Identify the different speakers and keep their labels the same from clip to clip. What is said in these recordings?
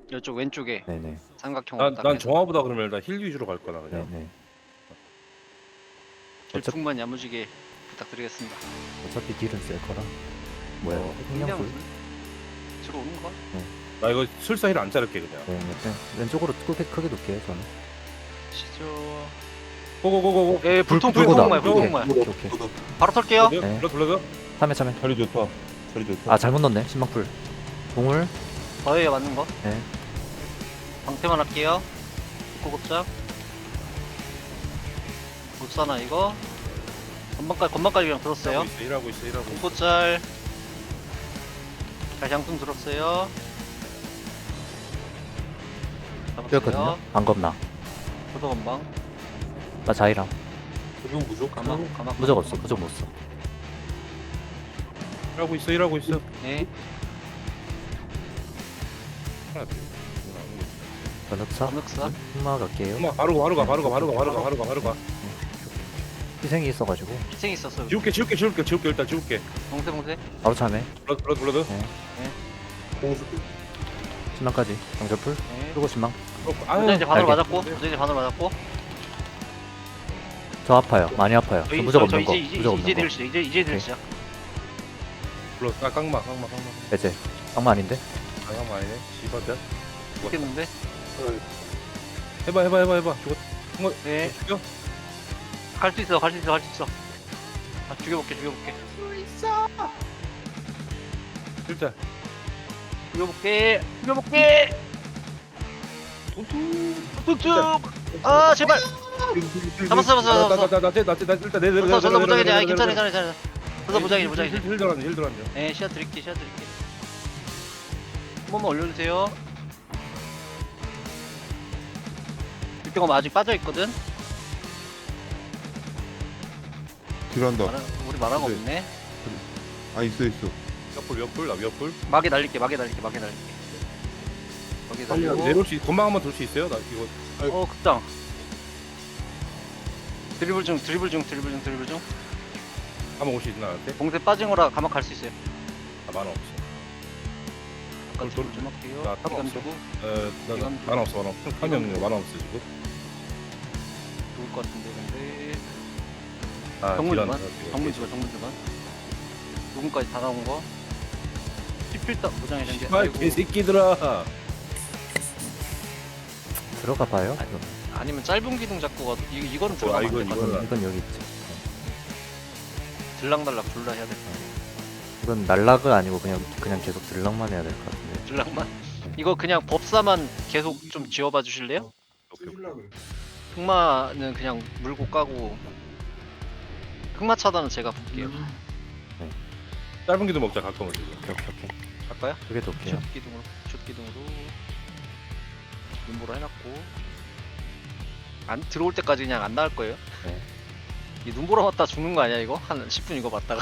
Speaker 1: 이쪽 왼쪽에
Speaker 2: 네네.
Speaker 1: 삼각형으로 딱
Speaker 3: 난
Speaker 1: 해서
Speaker 3: 정화보다 그러면 일단 힐 위주로 갈 거나 그냥.
Speaker 2: 네네.
Speaker 1: 질풍만 야무지게 부탁드리겠습니다.
Speaker 2: 어차피 딜은 쓸 거라. 뭐야?
Speaker 1: 그냥
Speaker 2: 흥량불?
Speaker 1: 들어오는 거?
Speaker 3: 나 이거 술사 힐 안 자를게 그냥.
Speaker 2: 네, 왼쪽으로 크게 놓게요 저는.
Speaker 1: 시죠.
Speaker 3: 고고고고고.
Speaker 1: 예, 불통
Speaker 2: 불고다.
Speaker 1: 불통말
Speaker 2: 오케이.
Speaker 1: 불통말.
Speaker 2: 오케이.
Speaker 1: 바로 털게요.
Speaker 2: 네.
Speaker 3: 불러.
Speaker 2: 참여.
Speaker 4: 자리 좋다. 자리 좋다.
Speaker 2: 아 잘못 넣네. 신망풀. 동물.
Speaker 1: 저예요 맞는 거.
Speaker 2: 네.
Speaker 1: 방패만 할게요. 고급작. 못 사나 이거? 건방까지 그냥 들었어요.
Speaker 3: 일하고 있어.
Speaker 1: 공포짤. 다시 양품 들었어요.
Speaker 2: 뛰었거든요. 안 겁나.
Speaker 1: 저도 건방.
Speaker 2: 나 자이랑.
Speaker 4: 적용 무조.
Speaker 1: 가마.
Speaker 2: 무적 없어. 무적 못 써.
Speaker 3: 일하고 있어.
Speaker 1: 네.
Speaker 3: 하나 둘.
Speaker 2: 변흑사.
Speaker 1: 감흑사.
Speaker 2: 흑마 갈게요.
Speaker 3: 엄마 바로 가.
Speaker 2: 희생이 있어가지고
Speaker 1: 희생 있었어.
Speaker 3: 지울게 일단 지울게.
Speaker 1: 봉쇄.
Speaker 2: 바로 참여.
Speaker 3: 불러.
Speaker 4: 공수.
Speaker 2: 신망까지. 강철풀.
Speaker 1: 네.
Speaker 2: 그리고 신망.
Speaker 1: 무장 이제 반으로
Speaker 2: 알게.
Speaker 1: 맞았고. 무장 이제 반으로 맞았고.
Speaker 2: 저 아파요. 많이 아파요. 저 무적 없는 거. 무적 없는 거.
Speaker 1: 이제 들 시작.
Speaker 3: 불러. 깡마.
Speaker 2: 배제. 악마 아닌데?
Speaker 3: 깡마 아니네. 씨발다.
Speaker 1: 죽겠는데?
Speaker 3: 해봐. 죽어.
Speaker 1: 네.
Speaker 3: 죽여.
Speaker 1: 갈 수 있어. 아, 죽여볼게.
Speaker 3: 일단.
Speaker 1: 툭툭. 아 제발. 잡았어.
Speaker 3: 나 일단 내
Speaker 1: 저도 무장이지. 아 괜찮아. 저도 무장이지.
Speaker 3: 힐 들어앉아.
Speaker 1: 네 시야 드릴게. 한 번만 올려주세요. 육경은 아직 빠져있거든?
Speaker 4: 딜한다.
Speaker 1: 우리 말한 거
Speaker 4: 네.
Speaker 1: 없네.
Speaker 4: 아 있어.
Speaker 3: 위협불.
Speaker 1: 막에 날릴게. 막에 날리고.
Speaker 3: 내려올 수 건망 한번 돌 수 있어요? 나 이거
Speaker 1: 극장. 드리블 중.
Speaker 3: 한번 올 수 있나 나한테?
Speaker 1: 봉쇄 빠진 거라 가만 갈 수 있어요.
Speaker 3: 아 만화 없어.
Speaker 1: 아까
Speaker 3: 돌-
Speaker 1: 좀 할게요.
Speaker 3: 나 타고
Speaker 1: 시간
Speaker 3: 없어.
Speaker 1: 주고
Speaker 3: 나
Speaker 1: 이건
Speaker 3: 만화 없어. 화면 만화 없어 지금.
Speaker 1: 좋을 것 같은데 근데.
Speaker 3: 아
Speaker 1: 정문
Speaker 3: 딜한
Speaker 1: 주간. 정문 주간. 누군까지 다 나온 거. 17단 무장이 된게
Speaker 3: 아 개새끼들아.
Speaker 2: 들어가 봐요.
Speaker 1: 아니면 짧은 기둥 잡고 가도 이거는
Speaker 3: 아,
Speaker 1: 들어가면
Speaker 3: 이건-
Speaker 1: 안될 것 같아.
Speaker 2: 이건 여기 있지.
Speaker 1: 들락날락 둘 다 해야 될 것 같아.
Speaker 2: 이건 날락은 아니고 그냥 계속 들락만 해야 될 것 같은데.
Speaker 1: 들락만. 이거 그냥 법사만 계속 좀 지워봐 주실래요? 흑마는 그냥 물고 까고 흑마 차단은 제가 볼게요.
Speaker 3: 짧은 기도 먹자 가끔은 지금.
Speaker 2: 오케이.
Speaker 1: 할까요?
Speaker 2: 그게 더 올게요.
Speaker 1: 슛 기둥으로 눈보라 해놨고 안 들어올 때까지 그냥 안 나올 거예요.
Speaker 2: 네.
Speaker 1: 이 눈보라 맞다 죽는 거 아니야 이거? 한 10분 이거 봤다가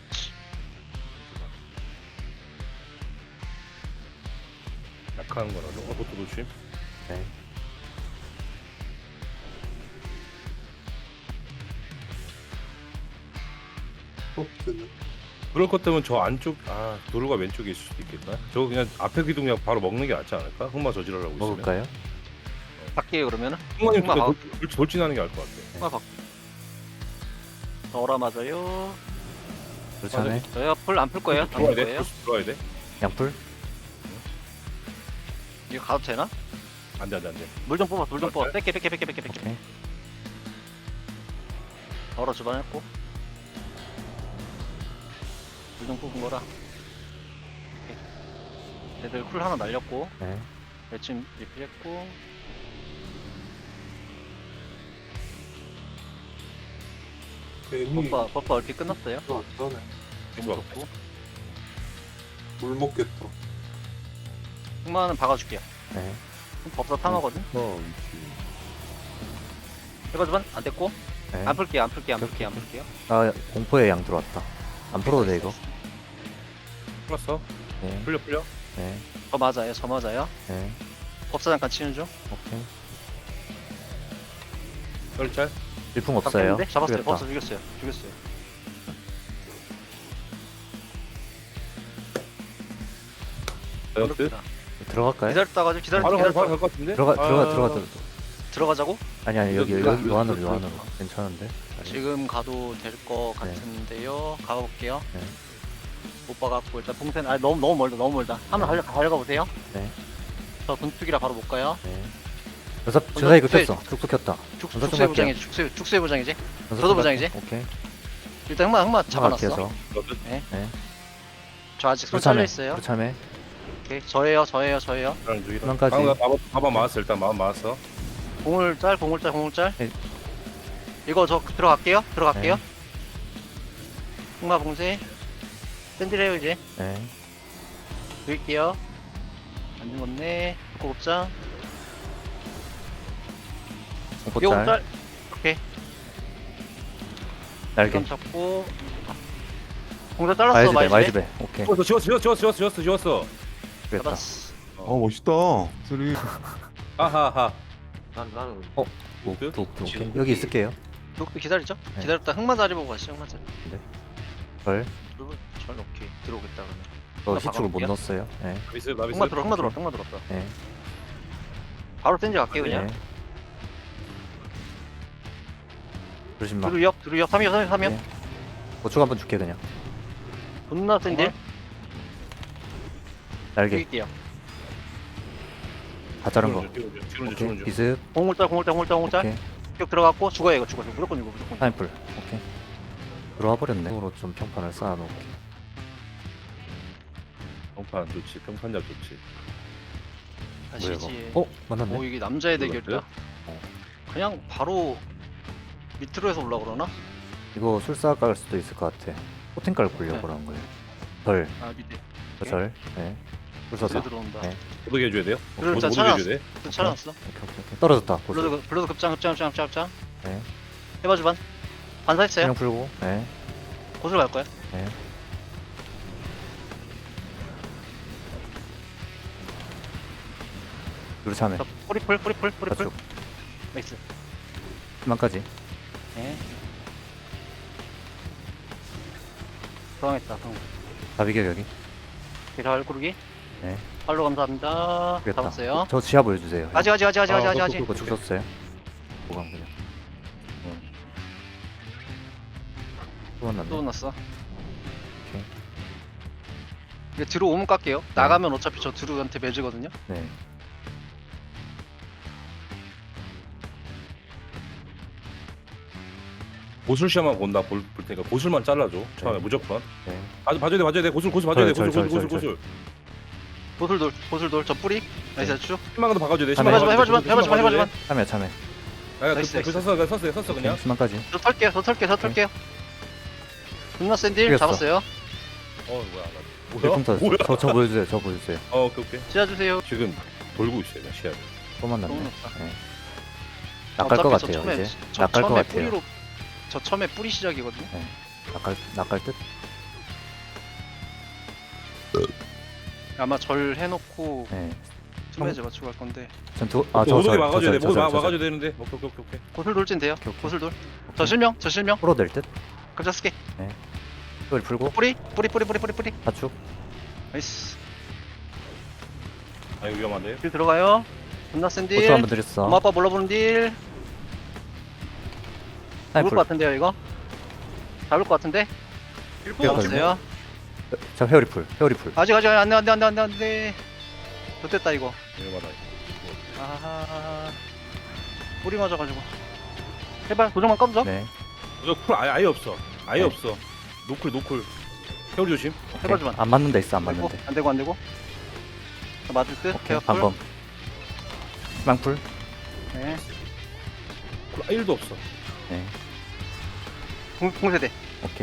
Speaker 3: 약한 거라도 그것도 조심.
Speaker 2: 네.
Speaker 3: 그럴 것 때문에 저 안쪽 도로가 왼쪽에 있을 수도 있겠다. 저거 그냥 앞에 기둥 그냥 바로 먹는 게 낫지 않을까? 흑마 저지르라고 있으면.
Speaker 2: 먹을까요?
Speaker 1: 할게요 그러면은.
Speaker 3: 흑마님
Speaker 1: 흑마 가-
Speaker 3: 돌진하는 게 나을 것 같아.
Speaker 1: 흑마 박. 어라 맞아요.
Speaker 2: 그렇잖아요.
Speaker 1: 저희가 풀 안 풀 거예요? 안
Speaker 3: 들어와야
Speaker 1: 풀
Speaker 3: 돼.
Speaker 1: 거예요?
Speaker 3: 들어와야 돼.
Speaker 2: 양풀.
Speaker 1: 이거 가도 되나?
Speaker 3: 안 돼.
Speaker 1: 물 좀 뽑아.
Speaker 3: 네.
Speaker 1: 뺄게.
Speaker 2: 오케이.
Speaker 1: 얼어 주반했고. 물 좀 뽑은 거라. 오케이. 애들 쿨 하나 날렸고.
Speaker 2: 네.
Speaker 1: 매칭 리필했고. 버퍼 얼핏 끝났어요.
Speaker 3: 좋아.
Speaker 4: 물 먹겠다.
Speaker 1: 흑마는 박아줄게요.
Speaker 2: 네.
Speaker 1: 법사 탐하거든. 해봐 주반 안 됐고.
Speaker 2: 네.
Speaker 1: 안 풀게요.
Speaker 2: 아 공포의 양 들어왔다. 안 풀어도 돼 이거.
Speaker 3: 풀었어.
Speaker 2: 네.
Speaker 3: 풀려.
Speaker 2: 네.
Speaker 1: 저 맞아요.
Speaker 2: 네.
Speaker 1: 법사 잠깐 치는 중.
Speaker 2: 오케이.
Speaker 3: 썰짤.
Speaker 2: 질풍 없어요.
Speaker 1: 잡았어요.
Speaker 2: 죽였다.
Speaker 1: 법사 죽였어요.
Speaker 3: 다이어트.
Speaker 1: 그렇구나.
Speaker 2: 들어갈까요?
Speaker 1: 기다렸다가 좀
Speaker 3: 바로
Speaker 1: 기다렸다가
Speaker 3: 갈것 같은데?
Speaker 2: 들어가.
Speaker 1: 들어가자고?
Speaker 2: 아니 여기
Speaker 3: 이거
Speaker 2: 요 안으로
Speaker 3: 이거
Speaker 2: 요 안으로 괜찮은데.
Speaker 1: 지금 가도 될 것 같은데요. 가볼게요.
Speaker 2: 네.
Speaker 1: 못 봐갖고 일단 풍선 너무 멀다. 한번 달려가보세요.
Speaker 2: 네.
Speaker 1: 저 분투기라 바로 못 가요.
Speaker 2: 네. 전사 이거
Speaker 1: 네.
Speaker 2: 켰어. 툭툭 켰다. 전사 좀
Speaker 1: 축소의
Speaker 2: 할게요.
Speaker 1: 부장이지. 축소의 부장이지.
Speaker 2: 전사
Speaker 1: 저도
Speaker 2: 좀
Speaker 1: 부장이지?
Speaker 2: 할게요. 오케이.
Speaker 1: 일단 흑마 잡아놨어.
Speaker 2: 켜서.
Speaker 1: 저 아직 손
Speaker 2: 불참해.
Speaker 1: 잘려 있어요.
Speaker 2: 불참해.
Speaker 1: 오케이. 저예요.
Speaker 2: 희망까지.
Speaker 3: 마법 맞았어. 일단 마법 맞았어.
Speaker 1: 공울짤.
Speaker 2: 네.
Speaker 1: 이거 저 들어갈게요.
Speaker 2: 네.
Speaker 1: 흑마 봉쇄. 샌들해요 이제.
Speaker 2: 네.
Speaker 1: 드릴게요. 안 죽었네. 고급장.
Speaker 2: 공포짤.
Speaker 1: 요짤. 오케이.
Speaker 2: 날개.
Speaker 1: 감 잡고. 공사 잘랐어.
Speaker 2: 마이즈배.
Speaker 1: 마이즈배.
Speaker 2: 마이즈배. 오케이.
Speaker 3: 지웠어.
Speaker 2: 됐다.
Speaker 1: 잡았어.
Speaker 4: 멋있다. 소리.
Speaker 3: 하하하.
Speaker 1: 나는
Speaker 2: 오케이. 여기 있을게요.
Speaker 1: 녹도 기다리죠?
Speaker 2: 네.
Speaker 1: 기다렸다 흑마 자리 보고 가시죠. 흑마 자리.
Speaker 2: 절.
Speaker 1: 절 오케이. 들어오겠다 그러면.
Speaker 2: 저
Speaker 1: 하나
Speaker 2: 희축을 못
Speaker 1: 박아볼게요.
Speaker 2: 넣었어요. 네.
Speaker 3: 나비스.
Speaker 1: 흑마 들어왔다.
Speaker 2: 네.
Speaker 1: 바로 샌지 갈게요 그냥.
Speaker 2: 네. 조심마.
Speaker 1: 두루역 3이요.
Speaker 2: 네. 고추 한번 줄게 그냥.
Speaker 1: 존나 샌딜.
Speaker 2: 날개.
Speaker 1: 드릴게요.
Speaker 2: 다 자른 거.
Speaker 3: 지금
Speaker 2: 오케이. 비습.
Speaker 1: 공물짤.
Speaker 2: 오케이.
Speaker 1: 격 들어갔고 죽어요 이거 죽어. 무조건 이거 무조건.
Speaker 2: 타임풀. 오케이. 들어와 버렸네. 으로 좀 평판을 쌓아놓을게.
Speaker 3: 평판 좋지. 평판작 좋지.
Speaker 2: 뭐야
Speaker 1: 아시지.
Speaker 2: 이거? 만났네.
Speaker 1: 오 이게 남자의
Speaker 3: 뭐야,
Speaker 1: 대결이다. 그냥 바로 밑으로 해서 올라 그러나?
Speaker 2: 이거 술사 깔 수도 있을 것 같아. 포텐 깔고 보려고 그런 거예요. 절.
Speaker 1: 아 밑에.
Speaker 2: 절. 네. 술사사.
Speaker 1: 불 들어온다.
Speaker 2: 네.
Speaker 3: 모두 해줘야 돼요?
Speaker 1: 그래,
Speaker 3: 모두
Speaker 1: 일단
Speaker 3: 해줘야 돼?
Speaker 1: 또 찾아놨어.
Speaker 2: 오케이. 떨어졌다. 고수.
Speaker 1: 블러드 급장.
Speaker 2: 네.
Speaker 1: 해봐주 반. 반사했어요.
Speaker 2: 그냥 풀고. 네.
Speaker 1: 곳을 갈 거야.
Speaker 2: 네. 누르 참해.
Speaker 1: 자, 뿌리풀.
Speaker 2: 좌측.
Speaker 1: 나이스.
Speaker 2: 희망까지.
Speaker 1: 네. 당했다.
Speaker 2: 다비격 여기.
Speaker 1: 잘 고르기.
Speaker 2: 네.
Speaker 1: 팔로 감사합니다.
Speaker 2: 됐다.
Speaker 1: 잡았어요.
Speaker 2: 저 지하 보여주세요.
Speaker 1: 아직.
Speaker 2: 그거 죽었어요. 보강 그냥. 또
Speaker 1: 또
Speaker 2: 만났네.
Speaker 1: 났어.
Speaker 2: 오케이.
Speaker 1: 이게 들어오면 깎게요. 나가면 어차피 저 드루한테 매지거든요.
Speaker 2: 네.
Speaker 3: 고술시야만 본다. 볼 테니까 고술만 잘라줘. 처음에
Speaker 2: 네.
Speaker 3: 무조건.
Speaker 2: 네.
Speaker 3: 봐줘야 돼. 고술 봐줘야 돼.
Speaker 2: 절.
Speaker 3: 고술.
Speaker 1: 보슬돌 저 뿌리. 나이스 쭉.
Speaker 3: 희망도 박아줘야 돼.
Speaker 1: 해봐주만.
Speaker 2: 참여.
Speaker 1: 나이스.
Speaker 3: 섰어 그냥.
Speaker 2: 희망까지.
Speaker 1: 저 털게요. 존나 샌딜
Speaker 2: 이겼어.
Speaker 1: 잡았어요.
Speaker 3: 뭐야.
Speaker 2: 일품 터졌어. 저 보여주세요.
Speaker 3: 오케이.
Speaker 1: 지어주세요.
Speaker 3: 지금 돌고 있어요. 시야를.
Speaker 2: 또 만났네.
Speaker 1: 너무 높다.
Speaker 2: 네. 낚을 것 같아요 이제. 낚을 것 같아요.
Speaker 1: 뿌리로 저 처음에 뿌리 시작이거든요.
Speaker 2: 낚을 듯.
Speaker 1: 아마 절 해놓고
Speaker 2: 네.
Speaker 1: 투매즈 맞추고 갈 건데.
Speaker 2: 전투.
Speaker 3: 모두게 막아줘야 돼. 막아줘야 되는데. 오케이.
Speaker 1: 고슬 돌진 돼요.
Speaker 2: 오케이.
Speaker 1: 고슬돌. 저 실명.
Speaker 2: 프로 될 듯.
Speaker 1: 급자 쓸게.
Speaker 2: 이걸 풀고.
Speaker 1: 뿌리.
Speaker 2: 하축.
Speaker 1: 나이스.
Speaker 3: 이거 위험한데.
Speaker 1: 딜 들어가요. 존나 센 딜.
Speaker 2: 고추 한번 드렸어.
Speaker 1: 엄마 아빠 몰라보는 딜. 죽을
Speaker 2: 타임풀.
Speaker 1: 것 같은데요 이거. 잡을 것 같은데. 잡았어요.
Speaker 2: 자 회오리풀.
Speaker 1: 아직 안돼. 좋됐다 이거.
Speaker 3: 위험하다.
Speaker 1: 아하. 뿌리 맞아가지고. 해발 도정만 까보자.
Speaker 2: 네.
Speaker 3: 저쿨 아예 없어. 아예
Speaker 2: 네.
Speaker 3: 없어. 노쿨. 회오리 조심.
Speaker 1: 해봐주만.
Speaker 2: 안 맞는 데 있어. 안 맞는 데.
Speaker 1: 안 되고. 자, 맞을 듯.
Speaker 2: 오케이.
Speaker 1: 케어풀.
Speaker 2: 방금. 희망풀.
Speaker 1: 네.
Speaker 3: 쿨 1도 없어.
Speaker 2: 네.
Speaker 1: 공세대.
Speaker 2: 오케이.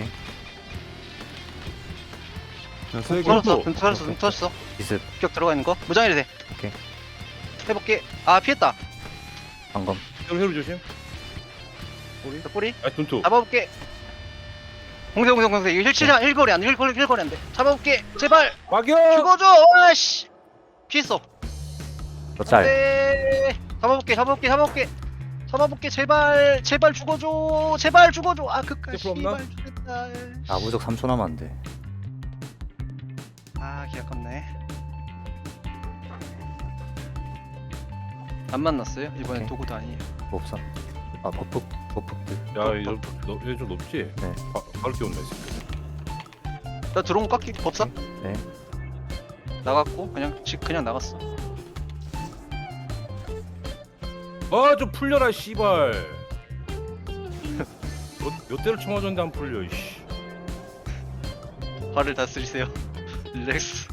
Speaker 4: 자, 세 개.
Speaker 1: 터졌어.
Speaker 2: 비습.
Speaker 1: 격 들어가 있는 거. 무장해도 돼.
Speaker 2: 오케이.
Speaker 1: 해볼게. 아 피했다.
Speaker 2: 방금.
Speaker 3: 회오리 조심.
Speaker 1: 자, 뿌리.
Speaker 3: 둔투.
Speaker 1: 잡아볼게. 공세. 이거 힐거리 안 돼. 힐거리 안 돼. 잡아볼게. 제발.
Speaker 3: 막여.
Speaker 1: 죽어줘. 아씨. 피했어.
Speaker 2: 저 짤.
Speaker 1: 네. 잡아볼게. 제발 죽어줘. 아 그까지.
Speaker 3: 제프 없나?
Speaker 1: 씨발 죽겠다.
Speaker 2: 아 무적 3초 남았는데.
Speaker 1: 아 기아깝네. 안 만났어요? 이번엔
Speaker 2: 오케이.
Speaker 1: 도구도 아니에요.
Speaker 2: 뭐 없어? 아 버프들.
Speaker 3: 야얘좀 높지?
Speaker 2: 네.
Speaker 3: 바로 뛰어온다 이 새끼.
Speaker 1: 나 들어온 거 깎기 법사?
Speaker 2: 네.
Speaker 1: 나갔고 그냥 나갔어.
Speaker 3: 아좀 풀려라 씨발. 몇 대를 쳐맞았는데 안 풀려 이씨.
Speaker 1: 화를 다스리세요. 릴렉스.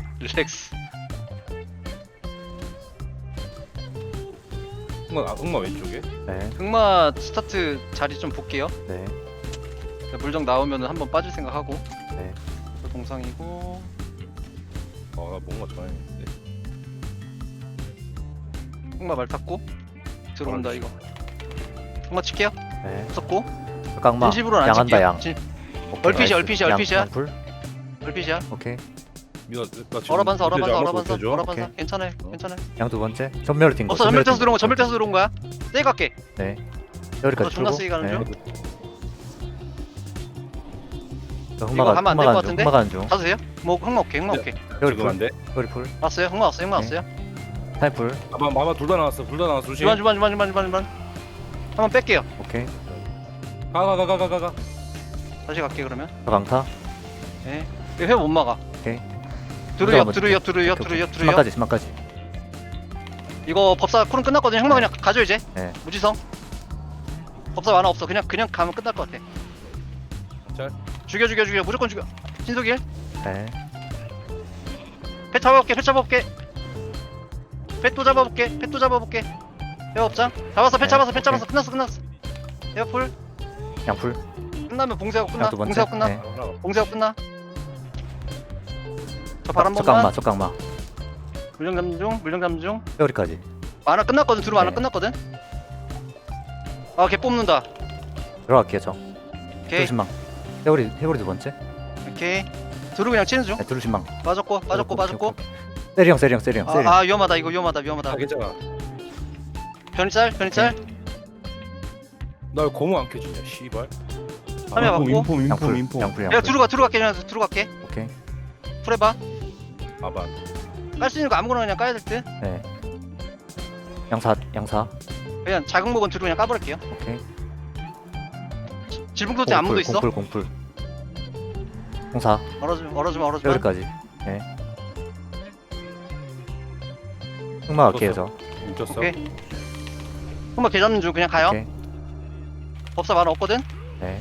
Speaker 3: 흑마 왼쪽에.
Speaker 2: 네.
Speaker 1: 흑마 스타트 자리 좀 볼게요.
Speaker 2: 네.
Speaker 1: 물정 나오면은 한번 빠질 생각하고.
Speaker 2: 네.
Speaker 1: 저 동상이고.
Speaker 3: 아 뭔가 좋아했는데.
Speaker 1: 흑마 말 탔고 들어온다
Speaker 3: 알았어.
Speaker 1: 이거. 흑마 칠게요.
Speaker 2: 네.
Speaker 1: 썼고.
Speaker 2: 깡마.
Speaker 1: 진심으로는 안
Speaker 2: 양한다
Speaker 1: 칠게요.
Speaker 2: 양. 오케이,
Speaker 1: 얼핏이야,
Speaker 2: 나이스.
Speaker 1: 얼핏이야.
Speaker 2: 양풀.
Speaker 1: 얼핏이야.
Speaker 2: 오케이.
Speaker 3: 나 지금
Speaker 1: 얼어반사.
Speaker 2: 오케이.
Speaker 1: 괜찮아요.
Speaker 2: 양 두 번째. 전멸을 뛴 거.
Speaker 1: 없어 전멸 떼서 들어온 거. 전멸 떼서 들어온 거야. 세게 갈게.
Speaker 2: 네. 여기까지
Speaker 1: 존나
Speaker 2: 풀고.
Speaker 1: 세게 가는
Speaker 2: 네.
Speaker 1: 중.
Speaker 2: 저
Speaker 1: 이거 가면 안될것
Speaker 2: 흑마
Speaker 1: 같은데?
Speaker 2: 가는 중.
Speaker 1: 가도 돼요? 뭐 흑마 오케이.
Speaker 2: 여기
Speaker 3: 지금
Speaker 2: 풀.
Speaker 3: 안 돼.
Speaker 2: 여기 풀.
Speaker 1: 왔어요. 흑마 왔어요. 흑마
Speaker 2: 네.
Speaker 1: 왔어요.
Speaker 2: 타이풀.
Speaker 3: 마마 둘 다 나왔어. 조심.
Speaker 1: 주만. 한번 뺄게요.
Speaker 2: 오케이.
Speaker 3: 가.
Speaker 1: 다시 갈게 그러면.
Speaker 2: 저 강타.
Speaker 1: 예. 이거 회못 막아.
Speaker 2: 오케이.
Speaker 1: 드루이업.
Speaker 2: 오케이. 신망까지.
Speaker 1: 이거 법사 쿨은 끝났거든요. 흑마 그냥 가져 이제.
Speaker 2: 네.
Speaker 1: 무지성. 법사 만화 없어. 그냥 가면 끝날 것 같아.
Speaker 3: 자.
Speaker 1: 죽여. 무조건 죽여. 신속일.
Speaker 2: 네.
Speaker 1: 패 잡아볼게. 패 또 잡아볼게. 에어업장. 잡았어. 패
Speaker 2: 네,
Speaker 1: 잡았어.
Speaker 2: 오케이.
Speaker 1: 끝났어. 에어풀.
Speaker 2: 양풀.
Speaker 1: 끝나면 봉쇄하고 끝나.
Speaker 2: 양 두 번째.
Speaker 1: 봉쇄하고 끝나.
Speaker 2: 네.
Speaker 1: 봉쇄하고 끝나. 저 바람
Speaker 2: 저
Speaker 1: 번만.
Speaker 2: 깡마.
Speaker 1: 물량 잠중
Speaker 2: 여기까지.
Speaker 1: 만화 끝났거든. 두루 만화
Speaker 2: 네.
Speaker 1: 끝났거든. 아, 걔 뽑는다.
Speaker 2: 들어갈게요 저.
Speaker 1: 오케이.
Speaker 2: 두루신망. 해골이 두 번째.
Speaker 1: 오케이. 두루 그냥 치는 중.
Speaker 2: 네, 두루신망.
Speaker 1: 빠졌고.
Speaker 2: 세리형.
Speaker 1: 아, 위험하다. 이거 위험하다.
Speaker 3: 아 괜찮아.
Speaker 1: 변이짤.
Speaker 3: 나 왜 고무 안 켜지냐 씨발.
Speaker 1: 화면 받고.
Speaker 4: 인폼.
Speaker 2: 양풀.
Speaker 1: 야, 두루 갈게. 그냥 두루 갈게.
Speaker 2: 오케이.
Speaker 1: 풀해봐.
Speaker 3: 아반.
Speaker 1: 깔 수 있는 거 아무거나 그냥 까야 될 듯.
Speaker 2: 네. 양사.
Speaker 1: 그냥 작은 목은 두루 그냥 까버릴게요.
Speaker 2: 오케이.
Speaker 1: 질풍도체 안무도 있어.
Speaker 2: 공풀. 공사.
Speaker 1: 얼어주마.
Speaker 2: 여기까지. 네. 흑마 갈게요 저.
Speaker 3: 뭉쳤어.
Speaker 1: 오케이. 흑마 개 잡는 중 그냥 가요.
Speaker 2: 오케이.
Speaker 1: 법사 만화 없거든.
Speaker 2: 네.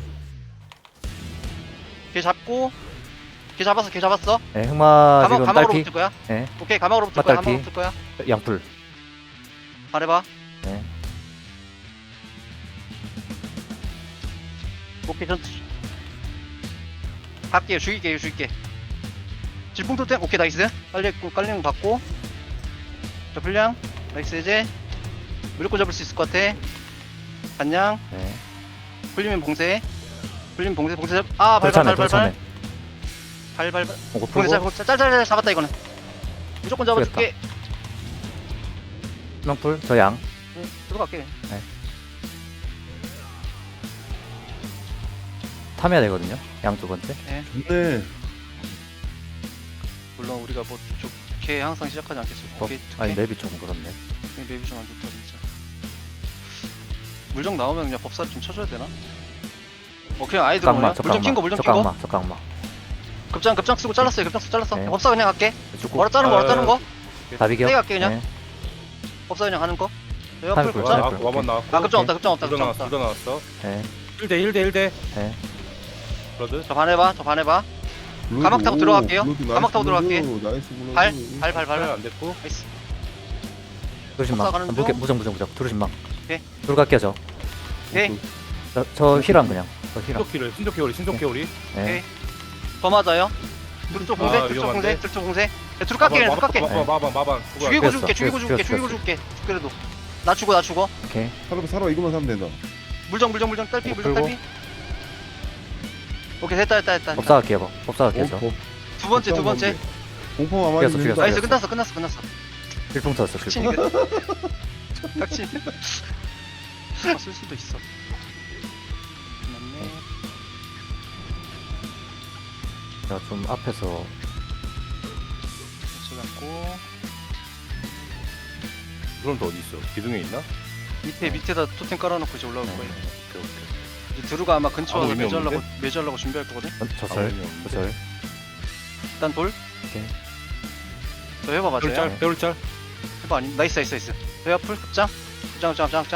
Speaker 1: 걔 잡고. 걔 잡았어.
Speaker 2: 네. 흑마 지금
Speaker 1: 가막으로
Speaker 2: 딸피.
Speaker 1: 붙을 거야.
Speaker 2: 네.
Speaker 1: 오케이, 가막으로 붙을 거야.
Speaker 2: 양풀.
Speaker 1: 말해봐.
Speaker 2: 네.
Speaker 1: 오케이, 갈게요. 죽일게. 질풍토템. 오케이, 나이스. 깔리는 거 받고. 자, 불량. 나이스. 이제 무조건 잡을 수 있을 것 같아. 반냥.
Speaker 2: 네.
Speaker 1: 풀리면 봉쇄. 잡. 아, 발.
Speaker 2: 들참해. 오고
Speaker 1: 봉쇄
Speaker 2: 풀고.
Speaker 1: 짤 잡았다 이거는. 무조건 잡아줄게.
Speaker 2: 희망풀. 저 양.
Speaker 1: 들어갈게.
Speaker 2: 탐해야 되거든요. 양 두 번째.
Speaker 4: 네.
Speaker 1: 물론 우리가 뭐 좋게 항상 시작하지 않겠어. 오케이.
Speaker 2: 아니 맵이 좀 그렇네.
Speaker 1: 맵이 좀 안 좋다 진짜. 물정 나오면 그냥 법사 좀 쳐줘야 되나? 그냥 아예 들어오냐? 물정 킨거.
Speaker 2: 저 깡마.
Speaker 1: 급장 쓰고 잘랐어요.
Speaker 2: 네.
Speaker 1: 법사 그냥 갈게.
Speaker 2: 죽고.
Speaker 1: 멀어 자른 거.
Speaker 2: 다 비겨.
Speaker 1: 세게 갈게, 그냥.
Speaker 2: 네.
Speaker 1: 법사 그냥 가는 거.
Speaker 2: 팔
Speaker 1: 옆을
Speaker 2: 굴.
Speaker 1: 급장.
Speaker 3: 와반 나왔고.
Speaker 1: 아, 급장 없다.
Speaker 3: 둘 다 나왔어.
Speaker 2: 네.
Speaker 3: 1대.
Speaker 2: 네.
Speaker 3: 브러드.
Speaker 1: 저 반해봐. 가막 타고 들어갈게요. 가막 타고 들어갈게.
Speaker 4: 나이스
Speaker 1: 발
Speaker 3: 발 안 됐고.
Speaker 1: 나이스.
Speaker 2: 두루신망.
Speaker 1: 가는 중.
Speaker 2: 무정. 두루신망.
Speaker 1: 오케이.
Speaker 2: 들어갈게요 저.
Speaker 1: 오케이.
Speaker 2: 저 힐함 그냥. 저 힐함.
Speaker 3: 신속 개월이.
Speaker 2: 네.
Speaker 1: 더 맞아요. 둘쪽 공세.
Speaker 3: 아, 위험한데?
Speaker 1: 둘 깎게.
Speaker 3: 마반.
Speaker 1: 죽이고
Speaker 2: 죽였어.
Speaker 1: 줄게. 그래도. 나 죽어.
Speaker 2: 오케이.
Speaker 4: 살아 이거만 사면 된다.
Speaker 1: 물정 딸피.
Speaker 2: 풀고.
Speaker 1: 오케이, 됐다.
Speaker 2: 법사 갈게요 저.
Speaker 1: 두 번째.
Speaker 4: 공포 아마
Speaker 2: 죽였어.
Speaker 1: 나이스. 끝났어.
Speaker 2: 필풍 쳤어.
Speaker 1: 닥치니. 쓸 수도 있어. 맞네.
Speaker 2: 제가 좀 앞에서
Speaker 1: 잡고.
Speaker 3: 그럼 또 어디 있어? 기둥에 있나?
Speaker 1: 밑에다 토템 깔아놓고 이제 올라올
Speaker 2: 네.
Speaker 1: 거예요.
Speaker 3: 오케이.
Speaker 1: 이제 드루가 아마 근처 와서
Speaker 3: 아무 의미
Speaker 1: 매주하려고 준비할 거거든.
Speaker 2: 저절. 저절.
Speaker 1: 일단 돌.
Speaker 2: 오케이.
Speaker 1: 저 해봐 맞아요.
Speaker 3: 배울짤 배울짤.
Speaker 1: 해봐 아니 나이스. 회화 풀 급장. 급장.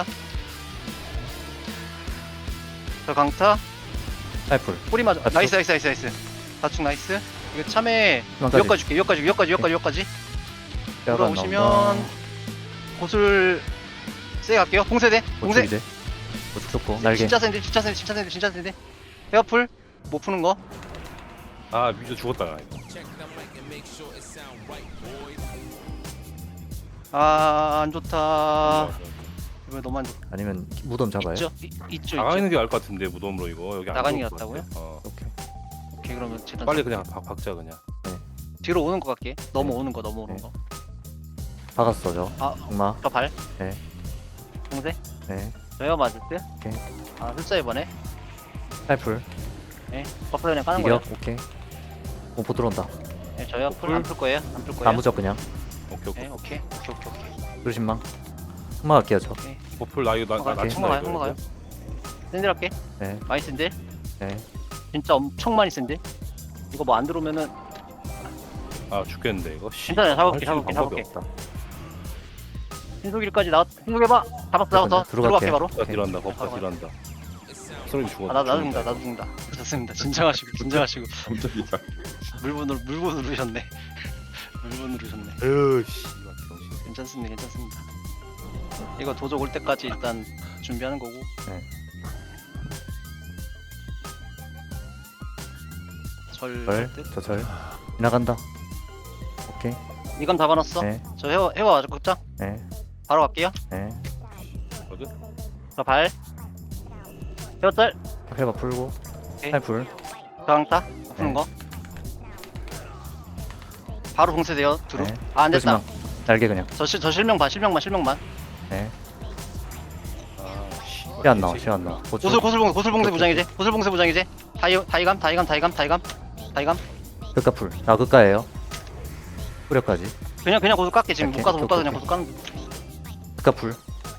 Speaker 1: 저 강타.
Speaker 2: 사이풀.
Speaker 1: 뿌리 맞아.
Speaker 2: 다축.
Speaker 1: 나이스. 다축 나이스. 이거 참에
Speaker 2: 희망까지.
Speaker 1: 여기까지.
Speaker 2: 뼈가
Speaker 1: 돌아오시면
Speaker 2: 나온다.
Speaker 1: 곳을 세게 갈게요. 봉쇄대. 봉쇄.
Speaker 2: 이제. 고축 좋고 날개.
Speaker 1: 진짜 센데. 회화 풀. 못 푸는 거.
Speaker 3: 아 미저 죽었다 나 이거.
Speaker 1: 아, 안 좋다. 이거 너무 안 좋다.
Speaker 2: 아니면 무덤 잡아요.
Speaker 1: 있죠.
Speaker 3: 나가는 게 나을 것 같은데 무덤으로 이거 여기 안
Speaker 1: 나가는
Speaker 3: 좋을
Speaker 1: 게
Speaker 3: 것 같아.
Speaker 2: 오케이.
Speaker 1: 오케이, 그러면 재단
Speaker 3: 빨리 그냥 박자 그냥.
Speaker 1: 뒤로 오는 거 같게.
Speaker 2: 네.
Speaker 1: 넘어오는 거.
Speaker 2: 박았어 저.
Speaker 1: 아,
Speaker 2: 악마.
Speaker 1: 저 발.
Speaker 2: 네.
Speaker 1: 봉쇄.
Speaker 2: 네.
Speaker 1: 저요 맞을 때.
Speaker 2: 오케이.
Speaker 1: 아, 흡사 이번에.
Speaker 2: 사이풀.
Speaker 1: 네. 버프 그냥 까는 거예요.
Speaker 2: 이격. 오케이. 공포 들어온다.
Speaker 1: 네, 저요 풀 안 풀 거예요.
Speaker 2: 나무적 그냥.
Speaker 3: 오케이.
Speaker 1: 네, 오케이.
Speaker 2: 그러신망. 흑마 갈게요 저.
Speaker 3: 버플 나 이거 나
Speaker 2: 오케이.
Speaker 3: 친다
Speaker 1: 흑마 가요. 샌들 할게.
Speaker 2: 네.
Speaker 1: 많이 샌들.
Speaker 2: 네.
Speaker 1: 진짜 엄청 많이 샌들. 이거 뭐 안 들어오면은
Speaker 3: 아 죽겠는데 이거. 씨.
Speaker 1: 괜찮아요.
Speaker 3: 할 수 있는
Speaker 1: 잡을게.
Speaker 3: 방법이 없다.
Speaker 1: 신속일까지 신속해봐. 잡았어. 들어갈게 바로.
Speaker 3: 버프가 딜한다. 버프가
Speaker 1: 바로
Speaker 3: 딜한다. 소리 죽어.
Speaker 1: 아, 나도 죽는다. 좋습니다. 진정하시고.
Speaker 4: 깜짝이야.
Speaker 1: 물분 누르셨네.
Speaker 3: 으씨.
Speaker 1: 괜찮습니다. 이거 도적 올 때까지 일단 준비하는 거고.
Speaker 2: 네. 절. 저절. 지나간다. 오케이.
Speaker 1: 이건 다 받았어.
Speaker 2: 네.
Speaker 1: 저 해와 아주 극장.
Speaker 2: 네.
Speaker 1: 바로 갈게요.
Speaker 2: 네.
Speaker 1: 저 발. 해와짤.
Speaker 2: 해봐 풀고.
Speaker 1: 오케이.
Speaker 2: 사이풀.
Speaker 1: 저항타. 푸는
Speaker 2: 네.
Speaker 1: 거. 바로 봉쇄돼요. 두루.
Speaker 2: 네.
Speaker 1: 아, 안 됐다.
Speaker 2: 그러시망. 날개 그냥.
Speaker 1: 저 실명만.
Speaker 2: 네.
Speaker 3: 아 씨.
Speaker 2: 시 안 나와. 시 안 나와. 고축.
Speaker 1: 고술 봉쇄 부장이제. 다이감.
Speaker 2: 극가풀. 아 극가예요. 뿌려까지.
Speaker 1: 그냥 고술 깎게 지금
Speaker 2: 오케이,
Speaker 1: 못 가서
Speaker 2: 오케이,
Speaker 1: 그냥 고술 까는.
Speaker 2: 극가풀.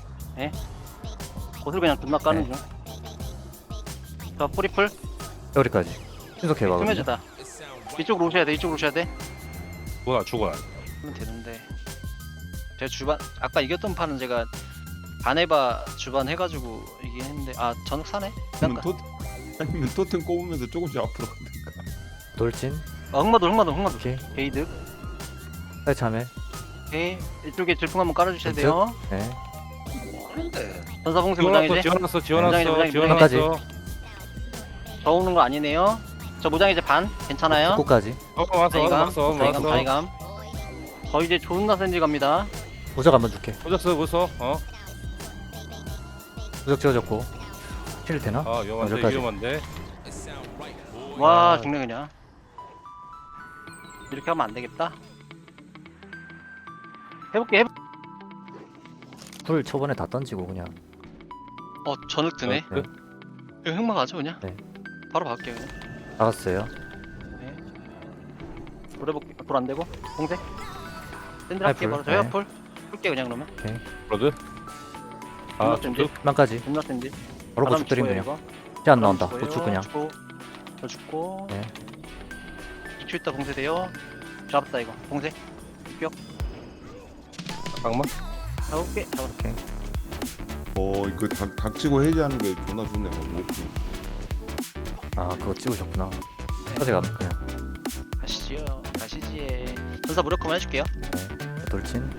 Speaker 1: 고술 그냥 존나 까는 중. 저 뿌리풀.
Speaker 2: 여기까지. 신속해봐. 그러면.
Speaker 1: 스매즈다. 이쪽으로 오셔야 돼.
Speaker 3: 죽어.
Speaker 1: 하면 되는데. 제가 주반 아까 이겼던 판은 제가 바네바 주반 해가지고 이긴 했는데 전흑 사네.
Speaker 4: 아니면 토템 꼽으면서 조금씩 앞으로 가든가.
Speaker 2: 돌진.
Speaker 1: 흑마도
Speaker 2: 오케이.
Speaker 1: 게이득.
Speaker 2: 사이 참해.
Speaker 1: 오케이. 이쪽에 질풍 한번 깔아주셔야 돼요.
Speaker 2: 네.
Speaker 1: 전사 봉쇄 무장이제.
Speaker 3: 지원했어.
Speaker 2: 무장이제.
Speaker 1: 저 오는 거 아니네요. 저 무장이제 반 괜찮아요.
Speaker 2: 축구까지.
Speaker 1: 다이감. 저 이제 존나 센지 갑니다.
Speaker 2: 무적 한번 줄게.
Speaker 3: 보셨어.
Speaker 2: 무적 지어졌고. 힐 되나?
Speaker 3: 아
Speaker 2: 여기까지.
Speaker 3: 위험한데.
Speaker 1: 와
Speaker 3: 아.
Speaker 1: 죽네 그냥. 이렇게 하면 안 되겠다. 해볼게.
Speaker 2: 풀 초반에 다 던지고 그냥.
Speaker 1: 전흑 드네.
Speaker 2: 네.
Speaker 1: 이거 흑마 가죠 그냥.
Speaker 2: 네.
Speaker 1: 바로 갈게요 그냥.
Speaker 2: 나갔어요.
Speaker 1: 돌해볼게. 돌 안 되고. 봉쇄. 샌들 할게
Speaker 2: 하이풀,
Speaker 1: 바로. 저 헤어풀.
Speaker 2: 네.
Speaker 1: 풀게 그냥 그러면.
Speaker 3: 브로드.
Speaker 1: 존나
Speaker 3: 아
Speaker 1: 센지.
Speaker 2: 만까지.
Speaker 1: 존나 센지.
Speaker 2: 바로 고축 드림 그냥. 시 안 나온다. 고축 그냥.
Speaker 1: 저 죽고.
Speaker 2: 네.
Speaker 1: 2초 있다 봉쇄돼요. 잡았다 이거. 봉쇄.
Speaker 3: 잠깐만.
Speaker 1: 잡을게. 잡았어.
Speaker 2: 오케이.
Speaker 4: 이거 닥치고 해제하는 게 존나 좋네.
Speaker 2: 아 그거 찍으셨구나. 사제 가 그냥.
Speaker 1: 가시지요. 가시지. 전사 무력화만 해줄게요.
Speaker 2: 네. 돌진.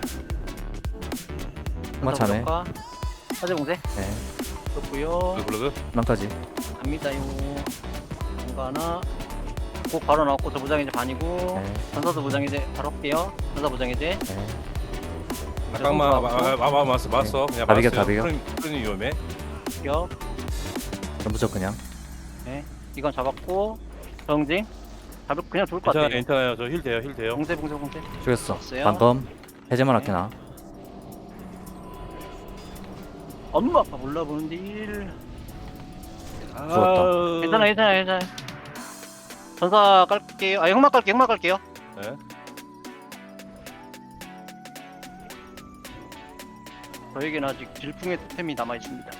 Speaker 2: 흑마 참해.
Speaker 1: 사제 봉쇄.
Speaker 2: 네.
Speaker 1: 그렇고요.
Speaker 3: 브로드.
Speaker 2: 만까지.
Speaker 1: 갑니다요. 뭔가 하나. 꼭 바로 나왔고 저 무장이제 반이고.
Speaker 2: 네.
Speaker 1: 전사도 무장이제 바로 할게요. 전사 무장이제.
Speaker 2: 네.
Speaker 3: 잠깐만. 맞어. 그냥
Speaker 2: 다 비겨,
Speaker 3: 맞았어요.
Speaker 2: 다 비겨.
Speaker 3: 푸른이 위험해.
Speaker 1: 격.
Speaker 2: 무적 그냥.
Speaker 1: 이건 잡았고. 정징. 그냥 좋을 것 같아요.
Speaker 3: 괜찮아요. 저 힐 돼요.
Speaker 1: 봉쇄.
Speaker 2: 죽였어.
Speaker 1: 없어요?
Speaker 2: 방금 해제만
Speaker 1: 네.
Speaker 2: 할게 나.
Speaker 1: 엄마 아빠 몰라보는 딜.
Speaker 2: 죽었다.
Speaker 1: 괜찮아. 전사 깔게요. 흑마 깔게요.
Speaker 3: 네.
Speaker 1: 저에게는 아직 질풍의 템이 남아있습니다.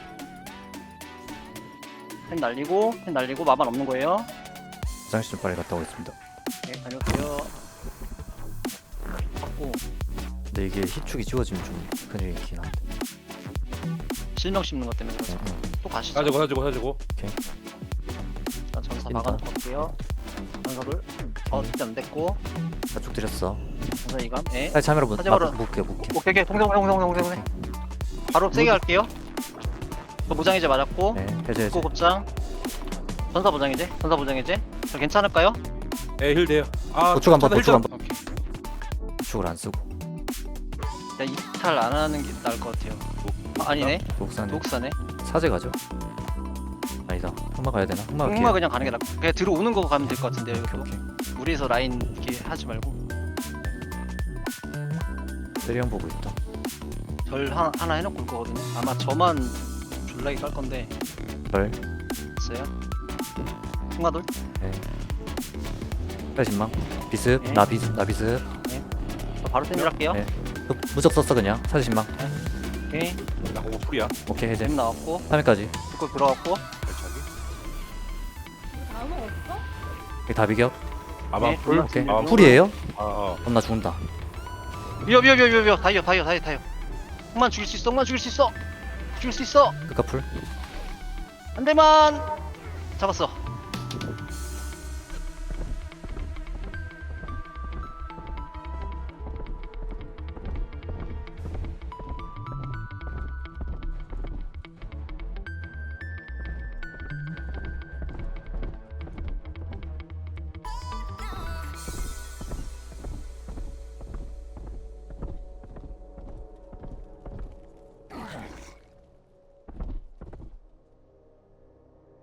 Speaker 1: 템 날리고 마만 없는 거예요.
Speaker 2: 화장실 좀 빨리 갔다 오겠습니다.
Speaker 1: 네, 다녀오세요. 받고
Speaker 2: 근데 이게 희축이 지워지면 좀 큰일이긴 한데.
Speaker 1: 실명 씹는 것 때문에 그래서 또 가시죠.
Speaker 3: 사주고.
Speaker 1: 자, 전사
Speaker 2: 찐다.
Speaker 1: 막아놓고 갈게요. 전사를 진짜 안 됐고
Speaker 2: 쭉 드렸어.
Speaker 1: 전사 이감. 예.
Speaker 2: 빨리 참여로
Speaker 1: 사제바로.
Speaker 2: 묶게.
Speaker 1: 오케이 동생. 바로 세게 갈게요. 저 무장이제 맞았고
Speaker 2: 네, 해제.
Speaker 1: 고 급장. 전사 무장이제. 저 괜찮을까요?
Speaker 3: 예, 힐 돼요. 아,
Speaker 2: 보충 한번,
Speaker 3: 차단 힐
Speaker 2: 보충
Speaker 3: 좀-
Speaker 2: 한번.
Speaker 1: 오케이.
Speaker 2: 희축을 안 쓰고.
Speaker 1: 야, 이탈 안 하는 게 나을 것 같아요. 아니네.
Speaker 2: 녹산에
Speaker 1: 녹사네.
Speaker 2: 사제 가죠. 아니다. 흑마 가야 되나? 흑마
Speaker 1: 흑마
Speaker 2: 갈게요.
Speaker 1: 그냥 가는 게 나을 그냥 들어오는 거 가면 될 것 같은데요. 이거
Speaker 2: 오케이.
Speaker 1: 무리해서 라인 이렇게 하지 말고
Speaker 2: 세리형 보고 있다.
Speaker 1: 절 하나 해놓고 올 거거든요. 아마 저만 졸라게 깔 건데
Speaker 2: 별.
Speaker 1: 있어요. 흑마돌.
Speaker 2: 네. 80만. 비습.
Speaker 1: 네.
Speaker 2: 나 비습.
Speaker 1: 저 바로 땡길할게요.
Speaker 2: 네. 무적 썼어 그냥. 40만.
Speaker 1: 오케이.
Speaker 3: 나 그거 풀이야.
Speaker 2: 오케이 해제.
Speaker 1: 잼 나왔고
Speaker 2: 3회까지.
Speaker 1: 그걸 들어갔고
Speaker 3: 발차기.
Speaker 5: 단어 없어?
Speaker 2: 이게 다 비겨.
Speaker 3: 아마
Speaker 1: 네,
Speaker 3: 풀.
Speaker 2: 오케이.
Speaker 3: 아,
Speaker 2: 풀이에요?
Speaker 3: 아.
Speaker 2: 그럼 나 죽는다.
Speaker 1: 위협 다이어. 흑만 죽일 수 있어.
Speaker 2: 끝까 풀.
Speaker 1: 한 대만 잡았어.